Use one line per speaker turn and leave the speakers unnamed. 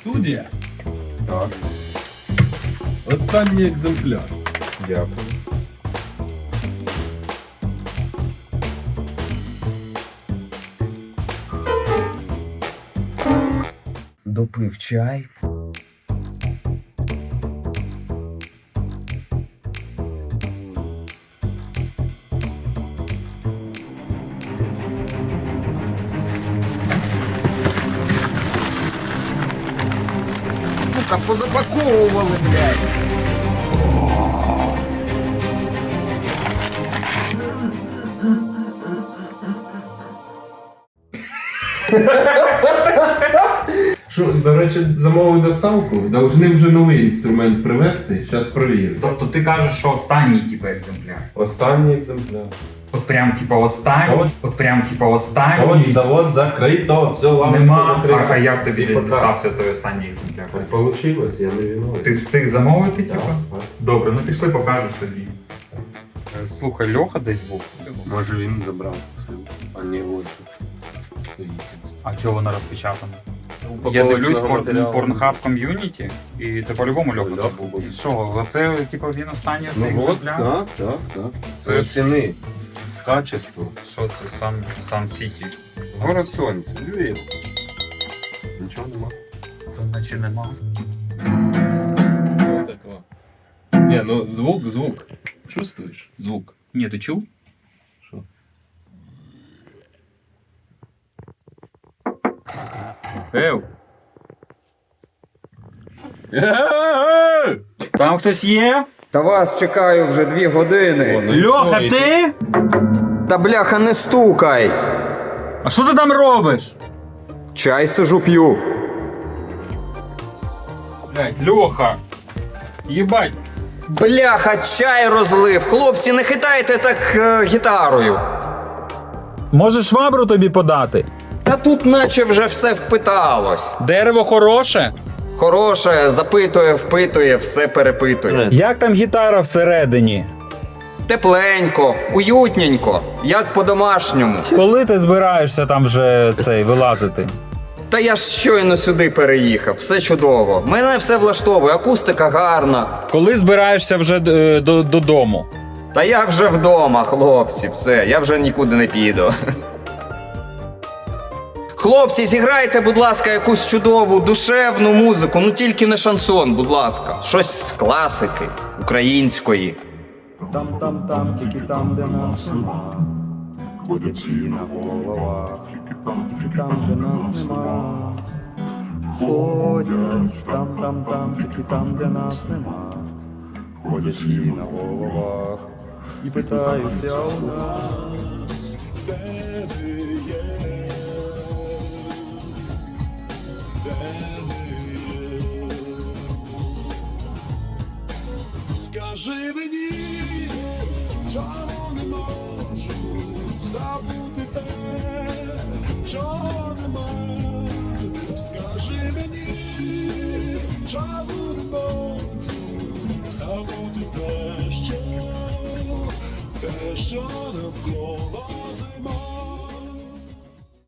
Студія.
Так,
Останній екземпляр.
дякую.
Допив чай.
Сука, позапаковували, блядь.
Що, до речі, замовив доставку, должны вже новий інструмент привезти, зараз провірю.
Тобто ти кажеш, що останній типу екземпляр.
Останній екземпляр.
От прям типу останній.
Завод.
От прям типу останній.
Завод закрито, все, лампочка
Нема.
закрита.
А як тобі
Всі
дістався той останній екземпляр?
Так получилось, я не виноват.
Ти встиг замовити, типу?
Так.
Добре, ну пішли покажеш тобі. Слухай, Льоха десь був.
Може він забрав посилку, а не от стоїть.
А чого вона розпечатана? Я
Упаковочного
дивлюсь
матеріалу.
Pornhub ком'юніті, і це по-любому Льоха
Льоха
був.
був.
І що, оце типу він останній цей
Ну от,
екземпляр?
так.
Це
Це
ж-
ціни, качество.
Що це, Сан Сіті?
Город сонця, Львів. Нічого нема.
То наче нема.
Вот такого. Не, ну звук. Чувствуешь? Звук.
Ні, ти чув?
Що?
Ев! Там хтось є?
Та вас чекаю вже 2 години.
Льоха, ти?
Та бляха, не стукай.
А що ти там робиш?
Чай сижу п'ю.
Блядь, Льоха! Єбать!
Бляха, чай розлив. Хлопці, не хитайте так гітарою.
Може швабру тобі подати?
Та тут наче вже все впиталось.
Дерево хороше?
Хороше, запитує, впитує, все перепитує.
Як там гітара всередині?
Тепленько, уютненько, як по-домашньому.
Коли ти збираєшся там вже вилазити?
Та я ж щойно сюди переїхав, все чудово. Мене все влаштовує, акустика гарна.
Коли збираєшся вже додому?
Та я вже вдома, хлопці, все, я вже нікуди не піду. Хлопці, зіграйте, будь ласка, якусь чудову, душевну музику, ну тільки не шансон, будь ласка. Щось з класики, української.
Там, тільки там, де нас нема. Ходять всі на головах, тільки там, де нас нема. Ходять там, тільки там, де нас нема. Ходять всі на головах і питаються у нас, де ви є, де ви є. Скажи мені, чому не можу забути те, чого